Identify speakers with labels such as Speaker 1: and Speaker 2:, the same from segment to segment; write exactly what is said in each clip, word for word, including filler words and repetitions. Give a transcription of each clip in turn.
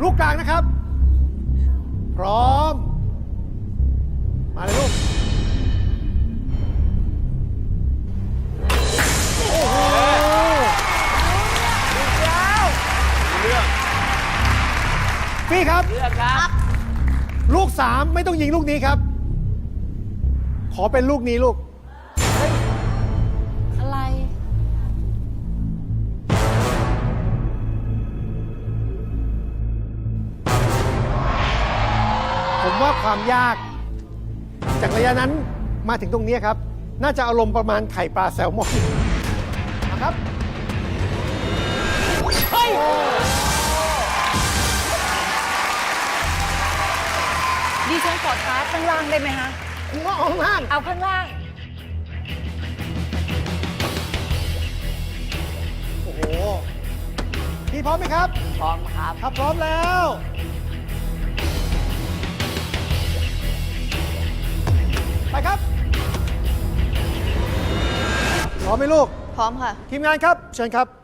Speaker 1: ลูกกลางนะครับพร้อมมาเลยลูกโอ้โหเลือกพี่ครับเลือกครับลูกสามไม่ต้องยิงลูกนี้ครับขอเป็นลูกนี้ลูก
Speaker 2: อะไร
Speaker 1: ผมว่าความยากจากระยะนั้นมาถึงตรงนี้ครับน่าจะอารมณ์ประมาณไข่ปลาแซลมอนนะครับเฮ้ย
Speaker 2: ดิฉันขอท้าข้างล่างได้ไหมฮะ
Speaker 1: ผมว่าเอาข้างล่าง
Speaker 2: เอาข้างล่าง
Speaker 1: โอ้โหพี่พร้อมไหมครับ
Speaker 2: พร้อมครับ
Speaker 1: ครับพร้อมแล้วไปครับพร้อมไหมลูก
Speaker 2: พร้อมค่ะ
Speaker 1: ทีมงานครับเชิญครับ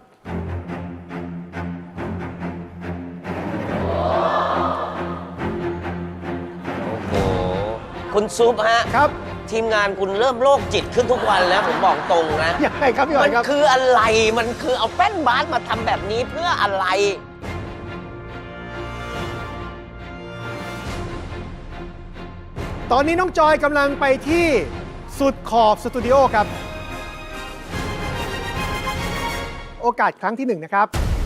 Speaker 3: โอ้โหคุณซุปฮะ
Speaker 1: ครับ
Speaker 3: ทีมงานคุณเริ่มโรคจิตขึ้นทุกวันแล้วผมบอกตรงนะ
Speaker 1: ยังไงครับพี่หอ
Speaker 3: มั
Speaker 1: ยครับ
Speaker 3: คืออะไรมันคือเอาแป้นบาสมาทำแบบนี้เพื่ออะไร
Speaker 1: ตอนนี้น้องจอยกำลังไปที่สุดขอบสตูดิโอครับโอกาสครั้งที่หนึ่งนะครับ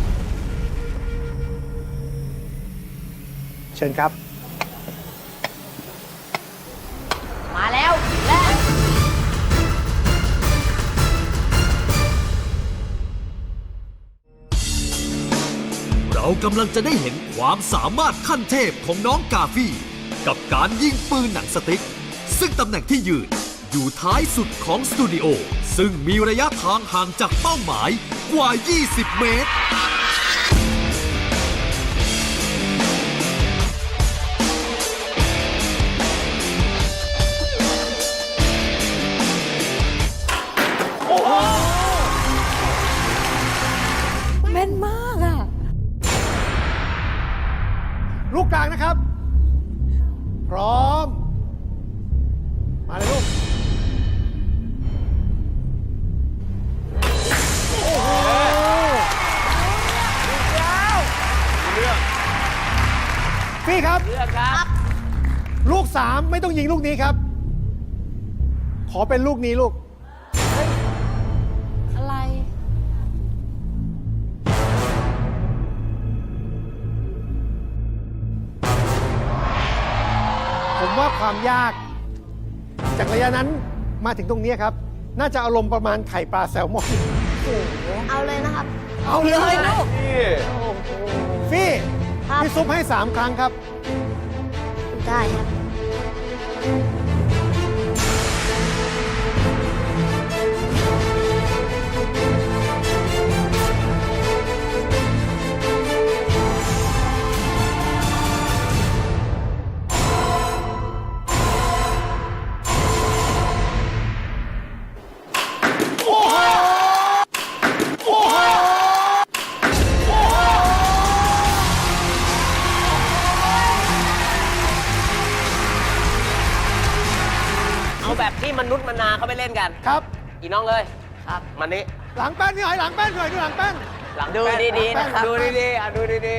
Speaker 1: เชิญครับ
Speaker 2: มาแล้วและ
Speaker 4: เรากำลังจะได้เห็นความสามารถขั้นเทพของน้องกาฟี่กับการยิงปืนหนังสติ๊กซึ่งตำแหน่งที่ยืนอยู่ท้ายสุดของสตูดิโอซึ่งมีระยะทางห่างจากเป้าหมายกว่า ยี่สิบ เมตร
Speaker 2: แม่นมากอ่ะ
Speaker 1: ลูกกลางนะครับพร้อมมาเลยลูกโอ้โหเลือกพี่ครับเลือกครับลูกสามไม่ต้องยิงลูกนี้ครับขอเป็นลูกนี้ลูก
Speaker 2: อะไร
Speaker 1: ผมว่าความยากจากระยะนั้นมาถึงตรงนี้ครับน่าจะอารมณ์ประมาณไข่ปลาแซลมอน
Speaker 2: เอาเลยนะครับ
Speaker 1: เอาเลยลูกฟี่
Speaker 2: ครับ
Speaker 1: พี่ซุปให้สามครั้งครับ
Speaker 2: ได้ครับ
Speaker 3: แบบที่มนุษย์มนาเขาไปเล่นกัน
Speaker 1: ครับ
Speaker 3: อีน้องเลยครับมันนี้
Speaker 1: หลังแป้นพี่หอยหลังแป้นพี่หอยดูหลังแป้น
Speaker 3: หลังดูดีๆนะครับดูดีๆอ่ะดูดี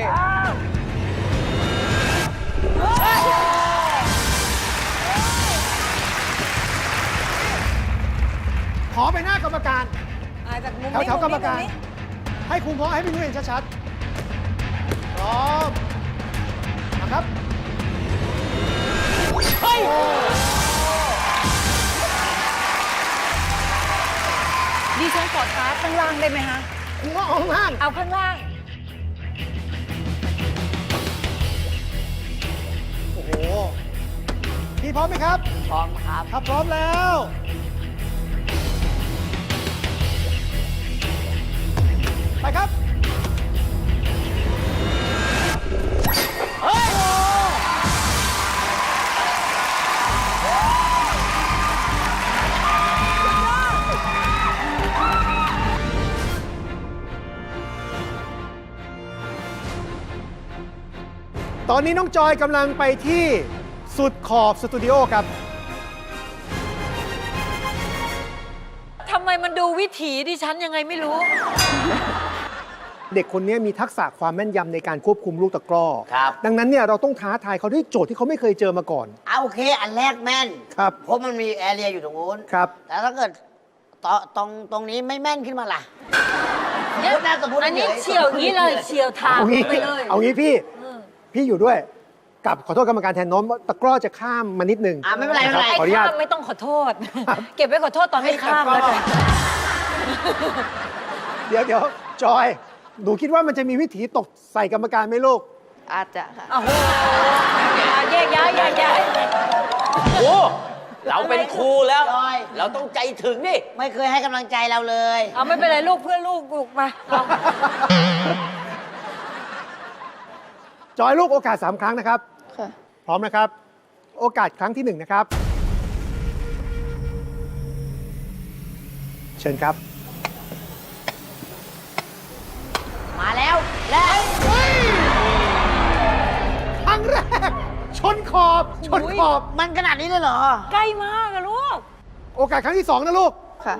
Speaker 1: ๆขอไปหน้ากรรมการแถวแถวกรรมการให้คุณพ่อให้พี่นุ้ยเห็นชัดๆพร้อมนะครับเฮ้ย
Speaker 2: ดิฉันขอท้าข้างล่างได้ไหมฮะ
Speaker 1: ผมว่าเอาข้างล่าง
Speaker 2: เอาข้างล่าง
Speaker 1: โอ้โหพี่พร้อมไหมครับ
Speaker 3: พร้อมครับ
Speaker 1: ครับพร้อมแล้วไปครับเฮ้ยตอนนี้น้องจอยกำลังไปที่สุดขอบสตูดิโอครับ
Speaker 2: ทำไมมันดูวิถีดิฉันยังไงไม่รู้
Speaker 1: เด็กคนนี้มีทักษะความแม่นยำในการควบคุมลูกตะกร้อ
Speaker 3: ครับ
Speaker 1: ดังนั้นเนี่ยเราต้องท้าทายเขาด้วยโจทย์ที่เขาไม่เคยเจอมาก่อน
Speaker 3: เอาโอเค อันแรกแม่น
Speaker 1: ครับ
Speaker 3: เพราะมันมีแอเรียอยู่ตรงนู้น
Speaker 1: ครับ
Speaker 3: แต่ถ้าเกิดตอตรงตรงนี้ไม่แม่นขึ้นมาล่ะสมมตินะสมมติ
Speaker 2: อันนี้
Speaker 3: ฉๆ
Speaker 2: เฉียวอย่างนี้เลยเฉียวทาง
Speaker 1: เอางี้
Speaker 2: ไปเลย
Speaker 1: เอางี้พี่ พี่อยู่ด้วย กับขอโทษกรรมการแทนโน้มตะกร้อจะข้ามมานิดนึง
Speaker 3: อ่ะไม่เป็นไรไม่เป็นไร
Speaker 1: ขออนุญาต
Speaker 2: ข้ามไม่ต้องขอโทษ เก็บไว้ขอโทษตอนไม่ข้ามแล้วกัน
Speaker 1: เดี๋ยวเดี๋ยวจอย หนูคิดว่ามันจะมีวิธีตกใส่กรรมการไหมลูก
Speaker 2: อาจจะค่ะโอ้โหแยกย้ายแยกย้าย
Speaker 3: โอ้เราเป็นครูแล้ว
Speaker 5: จอย
Speaker 3: เราต้องใจถึงนี่
Speaker 5: ไม่เคยให้กำลังใจเราเลย
Speaker 2: เอาไม่เป็นไรลูกเพื่อนลูกลูกมาเอา
Speaker 1: จอยลูกโอกาสสามครั้งนะครับ
Speaker 2: ค่ะ
Speaker 1: พร้อมนะครับ โอกาสครั้งที่หนึ่งนะครับ เชิญครับ
Speaker 5: มาแล้วและ
Speaker 1: ครั้งแรก ชนขอบ ชนขอบ
Speaker 5: มันขนาดนี้เลยเหรอ
Speaker 2: ใกล้มากอะลูก
Speaker 1: โอกาสครั้งที่สองนะลูก
Speaker 2: ค่ะ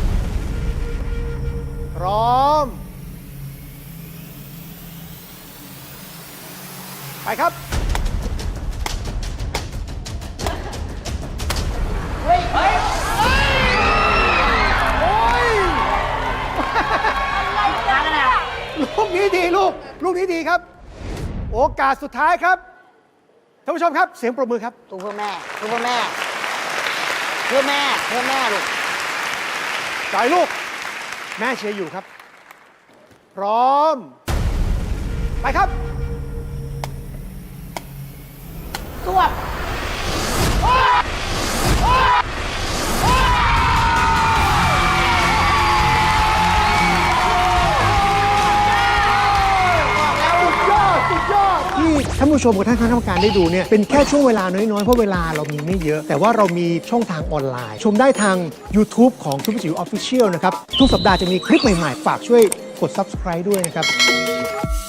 Speaker 1: พร้อม ไปครับ
Speaker 5: เฮ้ย เฮ้ย
Speaker 1: โอ้ย
Speaker 5: มากันนะ
Speaker 1: ลูกนี้ดีลูก ลูกนี้ดีครับ โอกาสสุดท้ายครับ ท่านผู้ชมครับ เสียงปรบมือครับ
Speaker 5: ตัวเพื่อแม่ตัวเพื่อแม่ เพื่อแม่ เพื่อแม่ลูก
Speaker 1: จ่ายลูก แม่เชียร์อยู่ครับ พร้อม ไปครับ
Speaker 5: สวบ
Speaker 1: สุดยอด สุดยอด ที่ท่านผู้ชมกับท่านคณะกรรมการได้ดูเนี่ยเป็นแค่ช่วงเวลาน้อย ๆ เพราะเวลาเรามีไม่เยอะ แต่ว่าเรามีช่องทางออนไลน์ ชมได้ทาง YouTube ของทุกจิ๋วออฟฟิเชียลนะครับ ทุกสัปดาห์จะมีคลิปใหม่ ๆ ฝากช่วยกด Subscribe ด้วยนะครับ